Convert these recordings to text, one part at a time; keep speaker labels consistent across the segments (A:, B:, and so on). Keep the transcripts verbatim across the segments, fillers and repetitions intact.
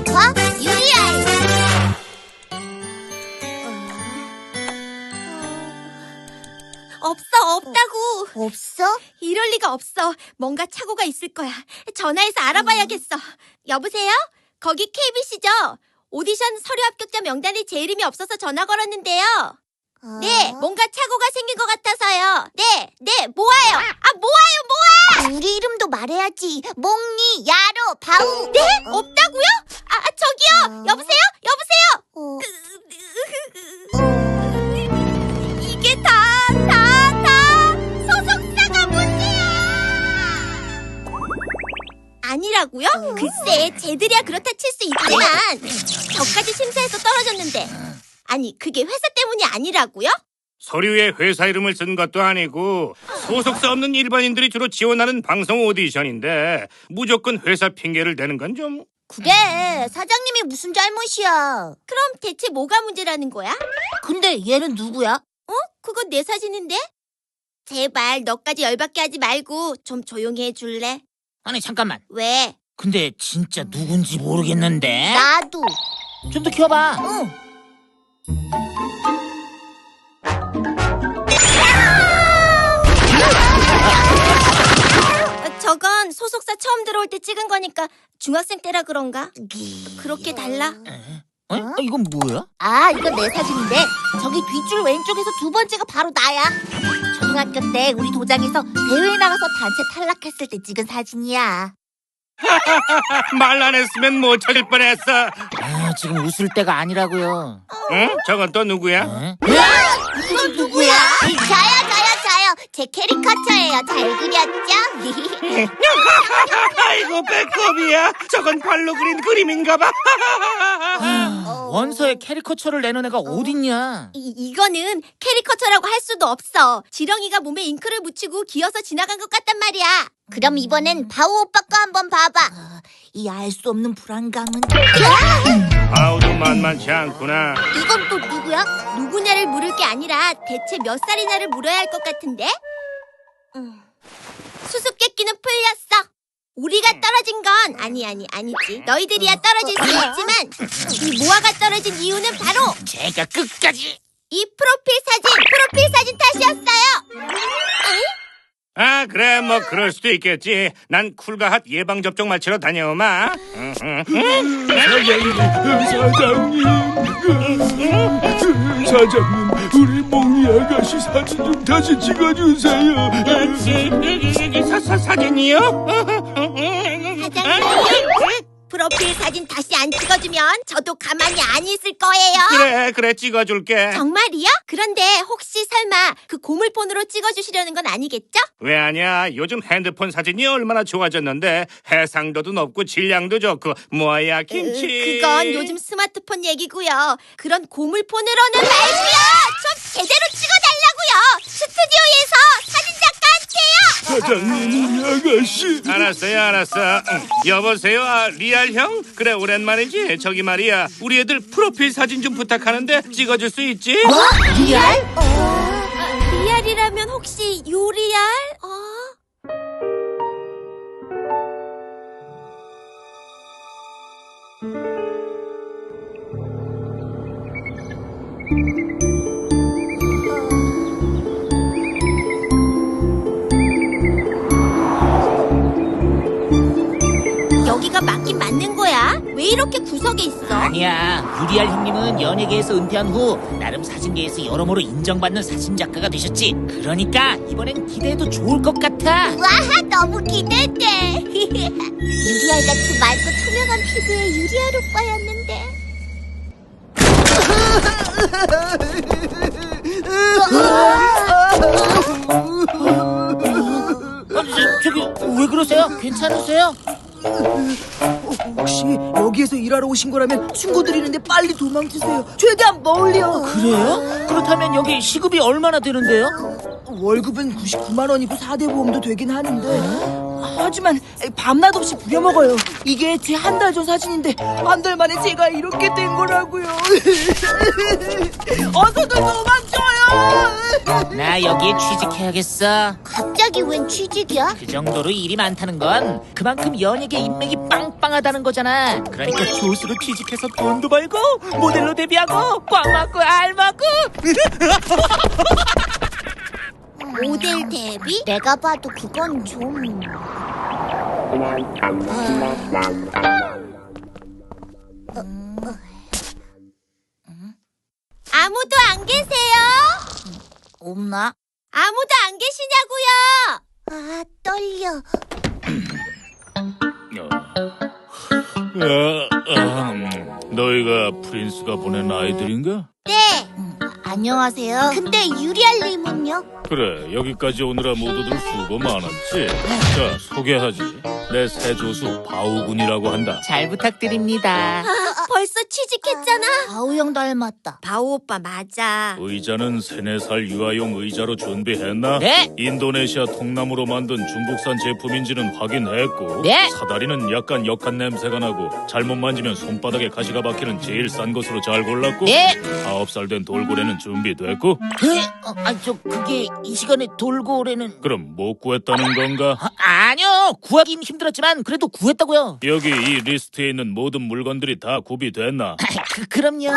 A: 페퍼, 유리알.
B: 없어, 없다고.
A: 없어?
B: 이럴 리가 없어. 뭔가 착오가 있을 거야. 전화해서 알아봐야겠어. 여보세요? 거기 케이비씨죠? 오디션 서류 합격자 명단에 제 이름이 없어서 전화 걸었는데요.
A: 어?
B: 네, 뭔가 착오가 생긴 것 같아서요. 네, 네, 모아요. 아, 모아요, 모아!
A: 우리 이름도 말해야지. 몽니, 야로, 바우.
B: 네?
A: 어?
B: 없다고요? 아, 아, 저기요.
A: 어?
B: 여보세요? 여보세요?
A: 어?
B: 이게 다, 다, 다 소속사가 문제야. 아니라고요?
A: 어?
B: 글쎄, 쟤들이야 그렇다 칠 수 있지만 저까지 심사해서 떨어졌는데. 아니, 그게 회사 때문이 아니라고요?
C: 서류에 회사 이름을 쓴 것도 아니고 소속사 없는 일반인들이 주로 지원하는 방송 오디션인데 무조건 회사 핑계를 대는 건 좀...
A: 그래, 사장님이 무슨 잘못이야.
B: 그럼 대체 뭐가 문제라는 거야?
A: 근데 얘는 누구야?
B: 어? 그건 내 사진인데? 제발 너까지 열받게 하지 말고 좀 조용히 해줄래?
D: 아니 잠깐만.
B: 왜?
D: 근데 진짜 누군지 모르겠는데.
A: 나도.
D: 좀 더 키워봐.
A: 응.
B: 어, 저건 소속사 처음 들어올 때 찍은 거니까 중학생 때라 그런가? 그렇게 달라?
D: 어? 아, 이건 뭐야?
A: 아, 이건 내 사진인데 저기 뒷줄 왼쪽에서 두 번째가 바로 나야. 초등학교 때 우리 도장에서 대회에 나가서 단체 탈락했을 때 찍은 사진이야.
C: 말 안 했으면 못 찾을 뻔했어.
D: 아, 지금 웃을 때가 아니라고요.
C: 응? 저건 또 누구야?
D: 어?
A: 이건 누구야? 저요, 저요, 저요. 제 캐리커처예요. 잘 그렸죠?
C: 아이고 배꼽이야. 저건 발로 그린 그림인가 봐.
D: 아, 원서에 캐리커처를 내는 애가 어딨냐?
B: 이, 이거는 캐리커처라고 할 수도 없어. 지렁이가 몸에 잉크를 묻히고 기어서 지나간 것 같단 말이야.
A: 그럼 이번엔 바우 오빠 거 한번 봐봐. 이 알 수 없는 불안감은.
C: 아우도 만만치 않구나.
A: 이건 또 누구야?
B: 누구냐를 물을 게 아니라 대체 몇 살이냐를 물어야 할 것 같은데? 음. 수수께끼는 풀렸어. 우리가 떨어진 건 아니 아니 아니지. 너희들이야 떨어질 수 있지만 이 모아가 떨어진 이유는 바로
D: 제가 끝까지.
B: 이 프로필 사진, 프로필 사진 탓이었어요.
C: 아 그래 뭐 그럴 수도 있겠지. 난 쿨과 핫 예방접종 맞추러 다녀오마. 응, 응, 응.
E: 사장님, 사장님, 사장님, 우리 몽니 아가씨 사진 좀 다시 찍어주세요.
C: 사, 사, 사진이요?
B: 사장님, 프로필 사진 다시 안 찍어주면 저도 가만히 안 있을 거예요.
C: 그래 그래 찍어줄게.
B: 정말이요? 그런데 혹시 설마 그 고물폰으로 찍어주시려는 건 아니겠죠?
C: 왜 아냐? 요즘 핸드폰 사진이 얼마나 좋아졌는데 해상도도 높고 질량도 좋고 뭐야 김치.
B: 으, 그건 요즘 스마트폰 얘기고요. 그런 고물폰으로는 말고요. 좀 제대로 찍어달라고요. 스튜디오에서 사진작가한테요.
E: 사장님, 우리 아가씨.
C: 알았어요 알았어. 응. 여보세요 아, 리알 형? 그래 오랜만이지. 저기 말이야 우리 애들 프로필 사진 좀 부탁하는데 찍어줄 수 있지?
A: 뭐? 리알?
B: 아, 리알이라면 혹시 요리알? 어? 여기가 맞긴 맞는 거야? 왜 이렇게 구석에 있어?
D: 아니야. 유리알 형님은 연예계에서 은퇴한 후 나름 사진계에서 여러모로 인정받는 사진작가가 되셨지. 그러니까 이번엔 기대해도 좋을 것 같아.
A: 와, 너무 기대돼. 유리알 같은 맑고 투명한 피부의 유리알 오빠였는데.
D: 아, 저, 저기 왜 그러세요? 괜찮으세요?
F: 혹시 여기에서 일하러 오신 거라면 충고드리는데 빨리 도망치세요. 최대한 멀리요.
D: 그래요? 그렇다면 여기 시급이 얼마나 되는데요?
F: 월급은 구십구만 원이고 사 대 보험도 되긴 하는데 하지만 밤낮 없이 부려먹어요. 이게 제 한 달 전 사진인데 한 달 만에 제가 이렇게 된 거라고요. 어서들 도망쳐요.
D: 나 여기에 취직해야겠어.
A: 갑자기 갑자기 웬 취직이야?
D: 그 정도로 일이 많다는 건 그만큼 연예계 인맥이 빵빵하다는 거잖아. 그러니까 조수로 취직해서 돈도 벌고 모델로 데뷔하고 꽝 맞고 알 맞고.
A: 모델 데뷔? 내가 봐도 그건 좀...
B: 아무도 안 계세요?
A: 없나?
B: 아무도 안 계시냐고요?
A: 아, 떨려.
E: 어, 아, 음, 너희가 프린스가 보낸 아이들인가?
B: 네.
A: 음, 안녕하세요. 근데 유리알님은요?
E: 그래, 여기까지 오느라 모두들 수고 많았지. 자, 소개하지. 내 새 조수 바우군이라고 한다.
D: 잘 부탁드립니다.
B: 벌써 취직했잖아.
A: 바우 형 닮았다.
B: 바오 오빠 맞아.
E: 의자는 세네 살 유아용 의자로 준비했나?
D: 네.
E: 인도네시아 통나무로 만든 중국산 제품인지는 확인했고,
D: 네.
E: 사다리는 약간 역한 냄새가 나고 잘못 만지면 손바닥에 가시가 박히는 제일 싼 것으로 잘 골랐고,
D: 네.
E: 아홉 살 된 돌고래는 준비됐고,
D: 에? 어, 아, 저 그게 이 시간에 돌고래는
E: 그럼 못 구했다는 건가?
D: 아, 아니요. 구하긴 힘들었지만 그래도 구했다고요.
E: 여기 이 리스트에 있는 모든 물건들이 다 구비됐나?
D: 그, 그럼요.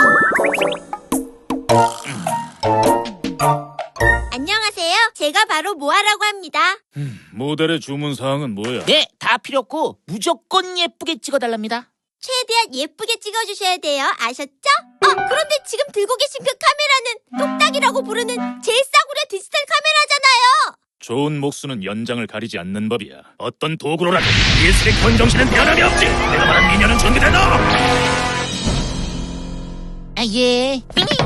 B: 안녕하세요. 제가 바로 모아라고 합니다.
E: 모델의 주문 사항은 뭐야?
D: 네, 다 필요 없고 무조건 예쁘게 찍어달랍니다.
B: 최대한 예쁘게 찍어주셔야 돼요. 아셨죠? 어, 그런데 지금 들고 계신 그 카메라는 똑딱이라고 부르는 제일 싸구려 디지털 카메라잖아요.
E: 좋은 목수는 연장을 가리지 않는 법이야. 어떤 도구로라도 예술의 견정신은 변함이 없지. 내가 말한 미녀는 준비됐나?
D: 아, 예.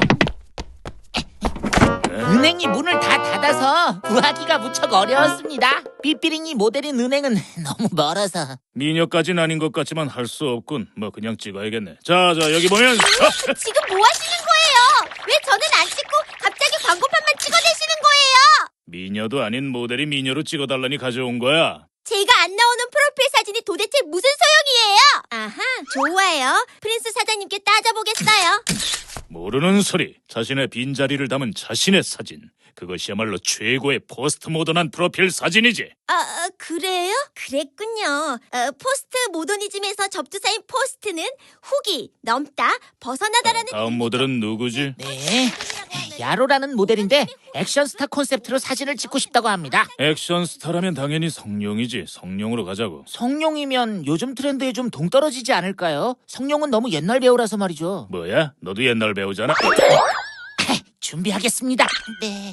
D: 은행이 문을 다 닫아서 구하기가 무척 어려웠습니다. 삐삐링이 모델인 은행은 너무 멀어서.
E: 미녀까진 아닌 것 같지만 할 수 없군. 뭐 그냥 찍어야겠네. 자, 자 여기 보면 어,
B: 지금 뭐 하시는 거예요? 왜 저는 안 찍고 갑자기 광고판만 찍어내시는 거예요?
E: 미녀도 아닌 모델이 미녀로 찍어달라니 가져온 거야.
B: 제가 안 나오는 프로필 사진이 도대체 무슨 소용이에요? 아하, 좋아요. 프린스 사장님께 따져보겠어요.
E: 모르는 소리. 자신의 빈자리를 담은 자신의 사진. 그것이야말로 최고의 포스트 모던한 프로필 사진이지.
B: 아, 아, 그래요? 그랬군요. 어, 포스트 모더니즘에서 접두사인 포스트는 후기, 넘다, 벗어나다라는
E: 다음 모델은 누구지?
D: 네. 야로라는 모델인데 액션스타 콘셉트로 사진을 찍고 싶다고 합니다.
E: 액션 스타라면 당연히 성룡이지. 성룡으로 가자고.
D: 성룡이면 요즘 트렌드에 좀 동떨어지지 않을까요? 성룡은 너무 옛날 배우라서 말이죠.
E: 뭐야? 너도 옛날 배우잖아.
D: 준비하겠습니다. 네.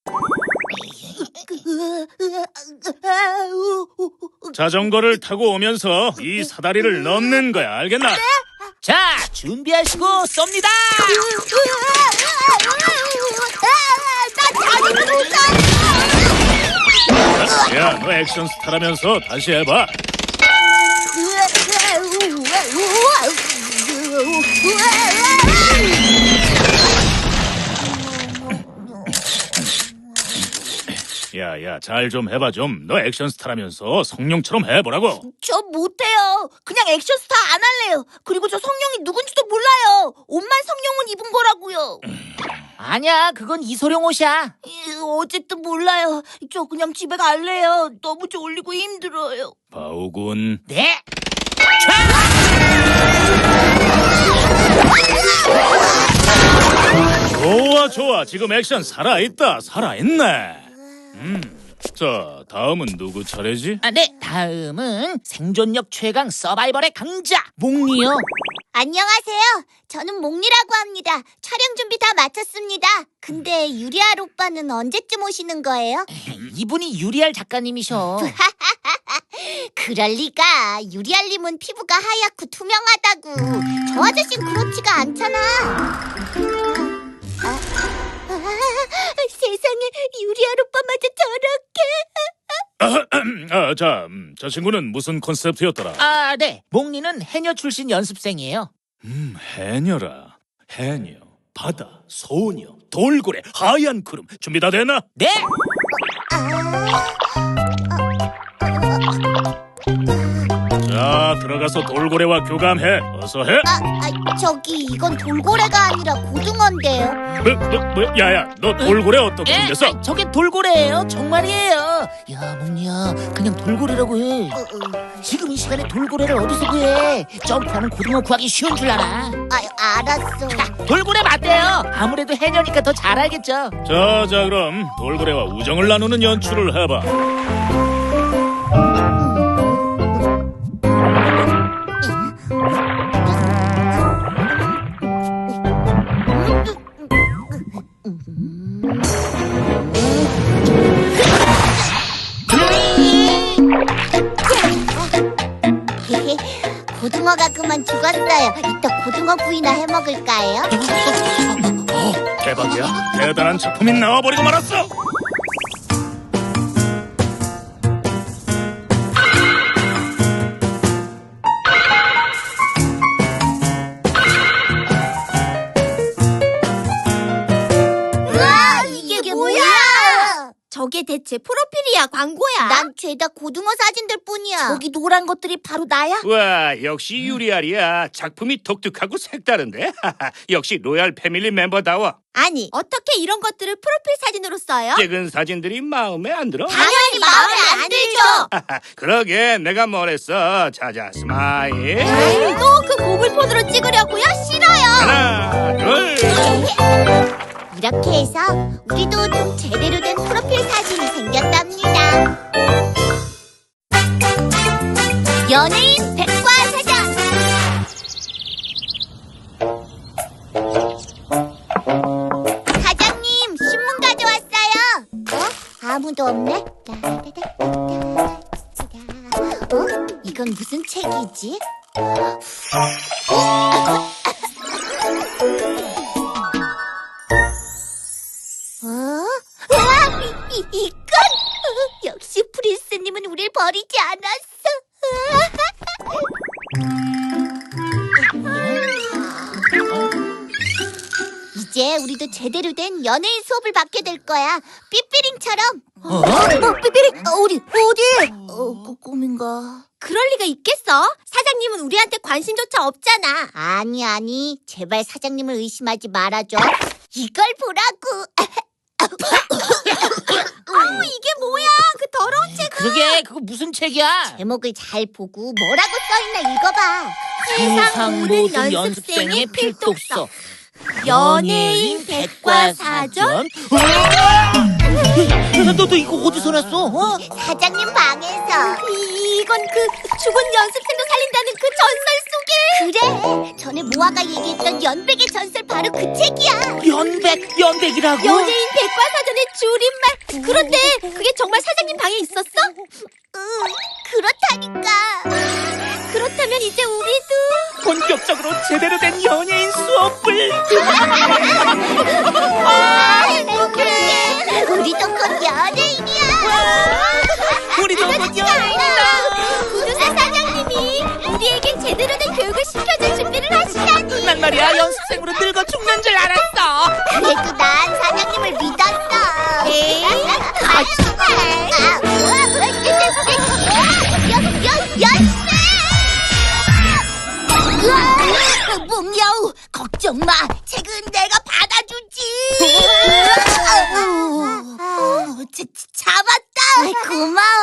E: 자전거를 타고 오면서 이 사다리를 넘는 거야. 알겠나?
D: 자, 준비하시고 쏩니다.
E: 야, 너 액션 스타라면서 다시 해봐. 야, 야, 잘 좀 해봐 좀. 너 액션 스타라면서 성룡처럼 해보라고.
A: 저 못해요. 그냥 액션스타 안 할래요. 그리고 저 성룡이 누군지도 몰라요. 옷만 성룡은 입은 거라고요.
D: 아니야, 그건 이소룡 옷이야.
A: 이, 어쨌든 몰라요. 저 그냥 집에 갈래요. 너무 졸리고 힘들어요.
E: 바오군.
D: 네.
E: 좋아, 좋아. 지금 액션 살아있다. 살아있네. 음. 자, 다음은 누구 차례지?
D: 아, 네. 다음은 생존력 최강 서바이벌의 강자 몽리요.
A: 안녕하세요. 저는 몽리라고 합니다. 촬영 준비 다 마쳤습니다. 근데 유리알 오빠는 언제쯤 오시는 거예요?
D: 이분이 유리알 작가님이셔.
A: 그럴 리가. 유리알님은 피부가 하얗고 투명하다고. 저 아저씨는 그렇지가 않잖아. 아, 아, 세상에 유리알 오빠마저 저렇게.
E: 아, 자, 음, 저 친구는 무슨 컨셉트였더라?
D: 아, 네. 몽리는 해녀 출신 연습생이에요.
E: 음, 해녀라. 해녀, 바다, 소녀, 돌고래, 하얀 구름. 준비 다 됐나?
D: 네.
E: 자, 들어가서 돌고래와 교감해. 어서 해.
A: 아, 아, 저기 이건 돌고래가 아니라 고등어인데요.
E: 뭐, 뭐, 뭐, 야야, 너 돌고래 어떻게
D: 에,
E: 생겼어?
D: 아이, 저게 돌고래예요. 정말이에요. 야, 몽니야, 그냥 돌고래라고 해.
A: 어, 어.
D: 지금 이 시간에 돌고래를 어디서 구해? 점프하는 고등어 구하기 쉬운 줄 알아.
A: 아, 알았어.
D: 돌고래 맞대요. 아무래도 해녀니까 더 잘 알겠죠.
E: 자, 자, 그럼 돌고래와 우정을 나누는 연출을 해봐.
A: 고등어가 그만 죽었어요. 이따 고등어 구이나 해 먹을까요?
E: 대박이야. 대단한 작품이 나와버리고 말았어.
A: 우와, 이게, 뭐야?
B: 저게 대체 프로필이야, 광고야?
A: 난 죄다 고등어 사진들 뿐이야. 저기 노란 것들이 바로 나야?
C: 와, 역시 유리알이야. 작품이 독특하고 색다른데. 역시 로얄 패밀리 멤버다워.
B: 아니, 어떻게 이런 것들을 프로필 사진으로 써요?
C: 찍은 사진들이 마음에 안 들어?
B: 당연히 마음에 안 들죠.
C: 그러게 내가 뭐랬어. 자자, 스마일.
B: 또 그 고글폰으로 찍으려고요? 싫어요.
C: 하나, 둘.
A: 이렇게 해서 우리도 좀 제대로 된 프로필 사진이 생겼답니다. 연예인 백과사전. 사장님, 신문 가져왔어요. 어? 아무도 없네. 어? 이건 무슨 책이지? 어? 와, 이, 이, 이건 역시 프린스님은 우릴 버리지 않았어. 이제 우리도 제대로 된 연예인 수업을 받게 될 거야. 삐삐링처럼. 어? 어, 삐삐링? 어, 어디? 어디? 어, 그 꿈인가?
B: 그럴 리가 있겠어? 사장님은 우리한테 관심조차 없잖아.
A: 아니, 아니. 제발 사장님을 의심하지 말아줘. 이걸 보라고.
B: 아우, 이게 뭐야? 그 더러운 책.
D: 그러게, 그거 무슨 책이야?
A: 제목을 잘 보고 뭐라고 써있나 읽어봐.
D: 세상 모든 연습생의 필독서.
B: 연예인 백과사전?
D: 너도 이거 어디서 났어? 어?
A: 사장님 방에서.
B: 이, 이건 그 죽은 연습생도 살린다는 그 전설 속에.
A: 그래. 전에 모아가 얘기했던 연백의 전설 바로 그 책이야.
D: 연백, 연백이라고?
B: 연예인 백과사전의 줄임말. 그런데 그게 정말 사장님 방에 있었어?
A: 응, 그렇다니까.
B: 그렇다면 이제 우리도
D: 본격적으로 제대로 된 연예인 수업을.
A: 아, 행복해. 우리도 곧 연예인이야.
D: 우리도 곧 연예인이다.
B: 구두사 사장님이 우리에게 제대로 된 교육을 시켜줄 준비를 하시다니.
D: 난 말이야 연습생으로 늙어 죽는 줄 알았어.
A: 그래도 난 사장님을 믿었어.
B: 에이,
A: 아, 정말. 아, 으아, 몽여우, 걱정 마. 책은 내가 받아주지. 어, 자, 잡았다. 고마워.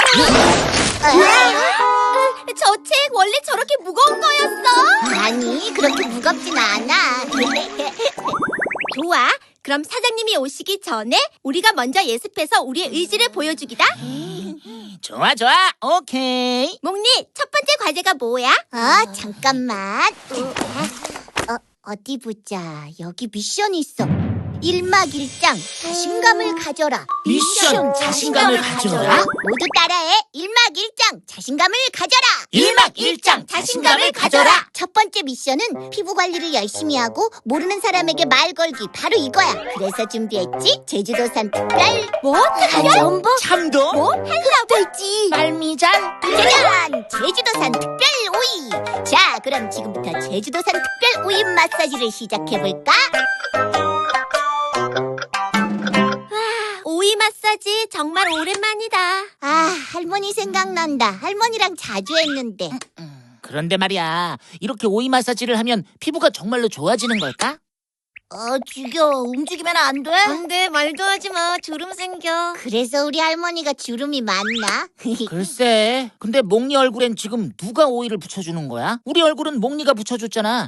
B: 저 책 원래 저렇게 무거운 거였어?
A: 아니, 그렇게 무겁진 않아.
B: 좋아. 그럼 사장님이 오시기 전에 우리가 먼저 예습해서 우리의 의지를 보여주기다.
D: 좋아 좋아 오케이.
B: 몽니, 첫 번째 과제가 뭐야?
A: 어, 잠깐만. 어, 어디 보자. 여기 미션이 있어. 일막일장 자신감을 가져라.
D: 미션 자신감을 가져라?
A: 모두 따라해. 일막일장 자신감을 가져라.
D: 일막일장 자신감을 가져라.
A: 첫 번째 미션은 피부 관리를 열심히 하고 모르는 사람에게 말 걸기. 바로 이거야. 그래서 준비했지. 제주도산 특별
B: 뭐?
A: 전복
D: 참도?
A: 뭐? 흑돼지
D: 말미잘.
A: 짜잔! 제주도산 특별 오이. 자, 그럼 지금부터 제주도산 특별 오이 마사지를 시작해볼까?
B: 오이 마사지 당연하지. 정말 오랜만이다.
A: 아, 할머니 생각난다. 할머니랑 자주 했는데.
D: 그런데 말이야, 이렇게 오이 마사지를 하면 피부가 정말로 좋아지는 걸까?
A: 어, 죽여. 움직이면 안 돼?
B: 안 돼, 말도 하지 마. 주름 생겨.
A: 그래서 우리 할머니가 주름이 많나?
D: 글쎄, 근데 몽니 얼굴엔 지금 누가 오이를 붙여주는 거야? 우리 얼굴은 몽니가 붙여줬잖아.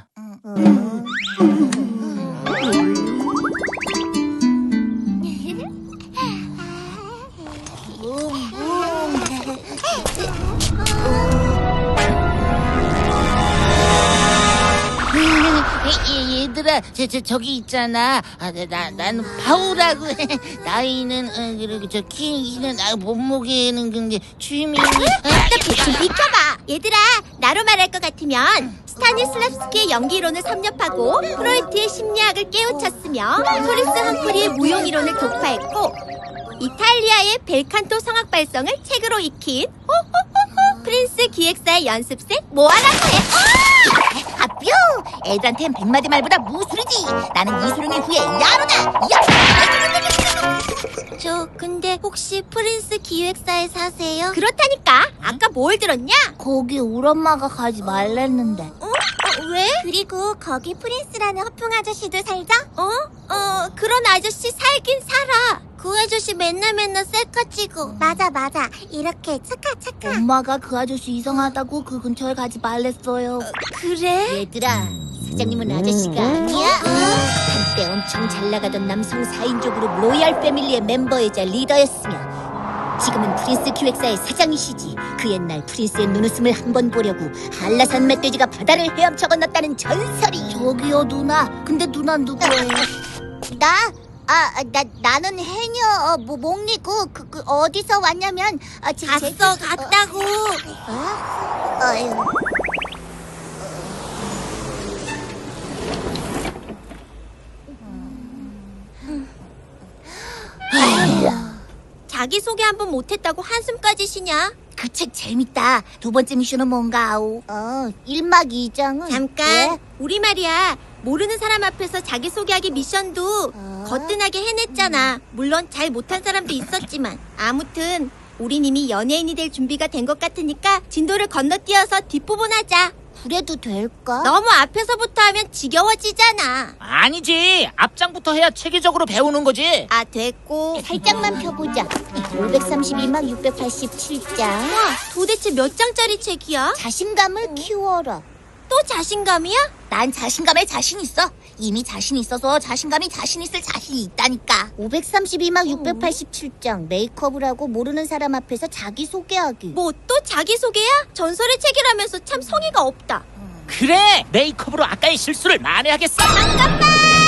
A: 얘, 얘들아, 저, 저, 저기 있잖아. 아, 나, 나는 파우라고 해. 나이는, 어, 그리고 저 키는, 아, 몸무게는, 근데 취미는.
B: 좀 비켜봐. 얘들아, 나로 말할 것 같으면 스타니슬랍스키의 연기이론을 섭렵하고 프로이트의 심리학을 깨우쳤으며 토리스 함프리의 무용이론을 독파했고 이탈리아의 벨칸토 성악 발성을 책으로 익힌 호호호호 프린스 기획사의 연습생 모아라고 해.
A: 아, 뿅! 애들한텐 백마디 말보다 무술이지. 나는 이소룡의 후예 야로다. 야!
B: 저 근데 혹시 프린스 기획사에 사세요? 그렇다니까. 아까 뭘 들었냐?
A: 거기 우리 엄마가 가지 말랬는데.
B: 어? 어, 왜? 그리고 거기 프린스라는 허풍 아저씨도 살자? 어? 어, 그런 아저씨 살긴 살아. 그 아저씨 맨날 맨날 셀카 찍어. 맞아, 맞아. 이렇게 착하, 착하.
A: 엄마가 그 아저씨 이상하다고 그 근처에 가지 말랬어요.
B: 그래?
A: 얘들아, 사장님은 아저씨가 아니야. 한때 엄청 잘 나가던 남성 사 인조 그룹 로얄 패밀리의 멤버이자 리더였으며 지금은 프린스 기획사의 사장이시지. 그 옛날 프린스의 눈웃음을 한번 보려고 한라산 멧돼지가 바다를 헤엄쳐 건넜다는 전설이. 저기요 누나. 근데 누나 누구예요? 나? 아, 나, 나는 해녀, 어, 뭐, 몽니고, 그, 그, 어디서 왔냐면, 아, 제,
B: 갔어,
A: 제, 어,
B: 갔다고.
A: 어? 어휴.
B: 자기소개 한 번 못했다고 한숨까지 쉬냐?
A: 그 책 재밌다. 두 번째 미션은 뭔가 아오. 어, 일 막 이 장은
B: 잠깐.
A: 왜?
B: 우리 말이야. 모르는 사람 앞에서 자기소개하기 미션도
A: 어?
B: 거뜬하게 해냈잖아. 물론 잘 못한 사람도 있었지만. 아무튼 우린 이미 연예인이 될 준비가 된 것 같으니까 진도를 건너뛰어서 뒷부분하자.
A: 그래도 될까?
B: 너무 앞에서부터 하면 지겨워지잖아.
D: 아니지, 앞장부터 해야 체계적으로 배우는 거지.
B: 아, 됐고.
A: 살짝만 펴보자. 오백삼십이 막 육백팔십칠 장.
B: 와, 도대체 몇 장짜리 책이야?
A: 자신감을 키워라.
B: 또 자신감이야?
A: 난 자신감에 자신 있어. 이미 자신 있어서 자신감이 자신 있을 자신이 있다니까. 오백삼십이 막 육백팔십칠 장 메이크업을 하고 모르는 사람 앞에서 자기소개하기.
B: 뭐 또 자기소개야? 전설의 책이라면서 참 성의가 없다.
D: 그래, 메이크업으로 아까의 실수를 만회하겠어. 잠깐만!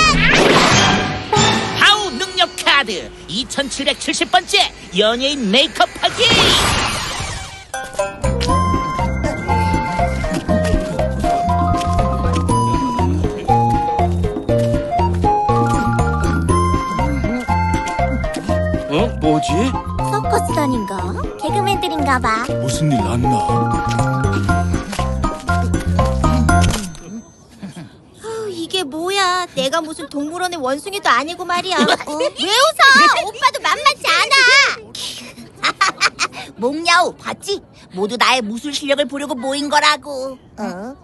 D: 하우 능력 카드 이천칠백칠십 번째 연예인 메이크업 하기.
C: 어? 뭐지?
B: 서커스단인가? 개그맨들인가 봐.
E: 무슨 일 났나?
B: 어, 이게 뭐야? 내가 무슨 동물원의 원숭이도 아니고 말이야. 어? 왜 웃어? 오빠도 만만치 않아.
A: 몽야오 봤지? 모두 나의 무술 실력을 보려고 모인 거라고. 어?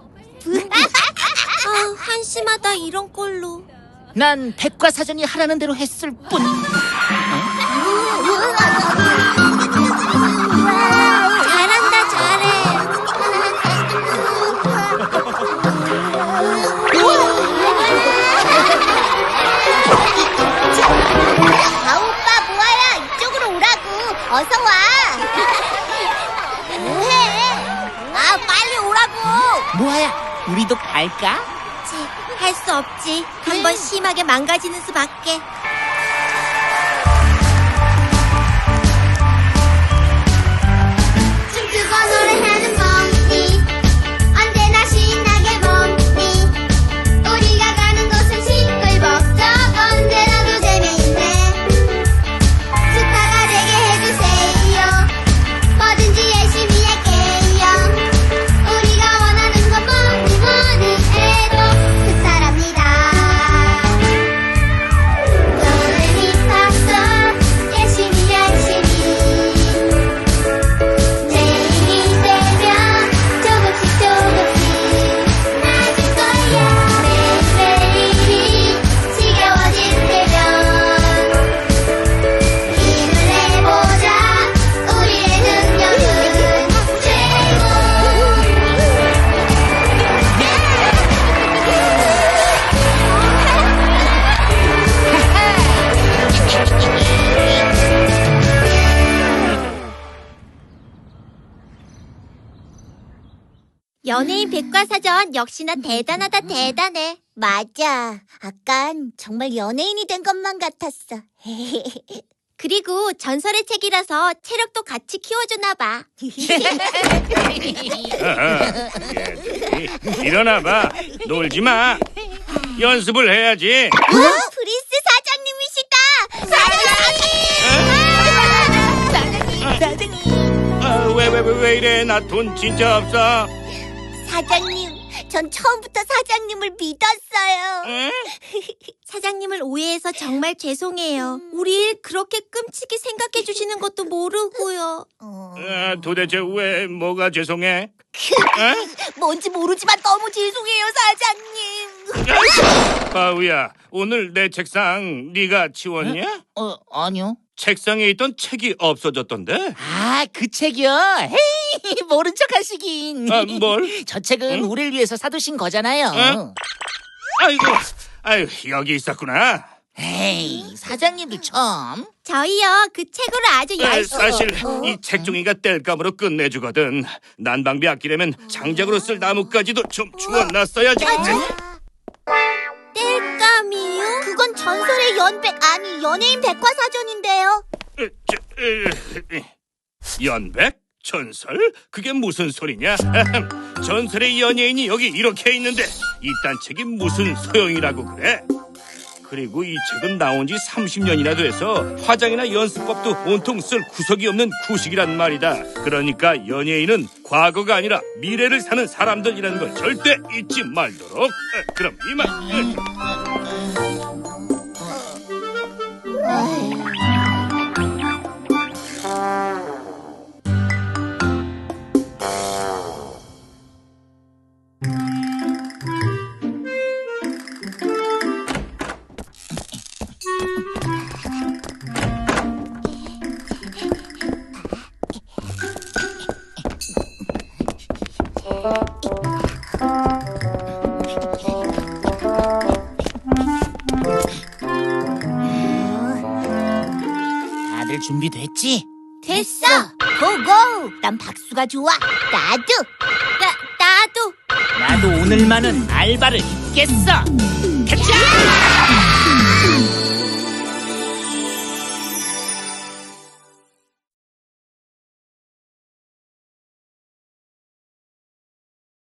B: 아, 한심하다 이런 꼴로.
D: 난 백과사전이 하라는 대로 했을 뿐.
B: 잘한다, 잘해.
A: 아 오빠 뭐야? 이쪽으로 오라고. 어서 와. 뭐해? 아 빨리 오라고.
D: 뭐야, 우리도 갈까?
B: 할 수 없지. 한 번 심하게 망가지는 수밖에.
G: 춤추고 노래하는 멍니 언제나 신나게 멍니 우리가 가는 곳은 시끌벅적 언제나도 재미있네 스타가 되게 해주세요 뭐든지 열심히 할게요 우리가 원하는 건 뭐니 뭐니 해도 스타랍니다
B: 연예인 백과사전 역시나 대단하다 대단해.
A: 맞아. 아깐 정말 연예인이 된 것만 같았어.
B: 그리고 전설의 책이라서 체력도 같이 키워주나 봐.
C: 아하, 얘들이 일어나봐. 놀지 마. 연습을 해야지.
B: 프린스 사장님이시다. 사장님!
C: 아, 왜, 왜, 왜, 왜 이래? 나 돈 진짜 없어.
A: 사장님, 전 처음부터 사장님을 믿었어요.
C: 응?
B: 사장님을 오해해서 정말 죄송해요. 우리 일 그렇게 끔찍이 생각해 주시는 것도 모르고요.
C: 아, 도대체 왜, 뭐가 죄송해? 어?
A: 뭔지 모르지만 너무 죄송해요, 사장님.
C: 바우야, 오늘 내 책상 네가 치웠냐?
D: 어, 아니요.
C: 책상에 있던 책이 없어졌던데?
D: 아, 그 책이요? 헤이, 모른 척 하시긴.
C: 아, 뭘?
D: 저 책은
C: 응?
D: 우리를 위해서 사두신 거잖아요.
C: 응? 아이고, 아유, 여기 있었구나.
D: 에이, 사장님도 참.
B: 저희요 그 책으로 아주
C: 아,
B: 열심히.
C: 사실 이 책종이가 뗄감으로 끝내주거든. 난방비 아끼려면 장작으로 쓸 나무까지도 좀 주워놨어야지.
B: 뗄감이요?
A: 그건 전설의 연백, 아니 연예인 백과사전인데요.
C: 어, 저, 어, 연백? 전설? 그게 무슨 소리냐? 전설의 연예인이 여기 이렇게 있는데 이딴 책이 무슨 소용이라고 그래? 그리고 이 책은 나온 지 삼십 년이나 돼서 화장이나 연습법도 온통 쓸 구석이 없는 구식이란 말이다. 그러니까 연예인은 과거가 아니라 미래를 사는 사람들이라는 걸 절대 잊지 말도록. 어, 그럼 이만. 어.
D: 다들 준비됐지?
A: 됐어. 고고. 난 박수가 좋아. 나도.
B: 나 나도.
D: 나도 오늘만은 알바를 잊겠어. 가자!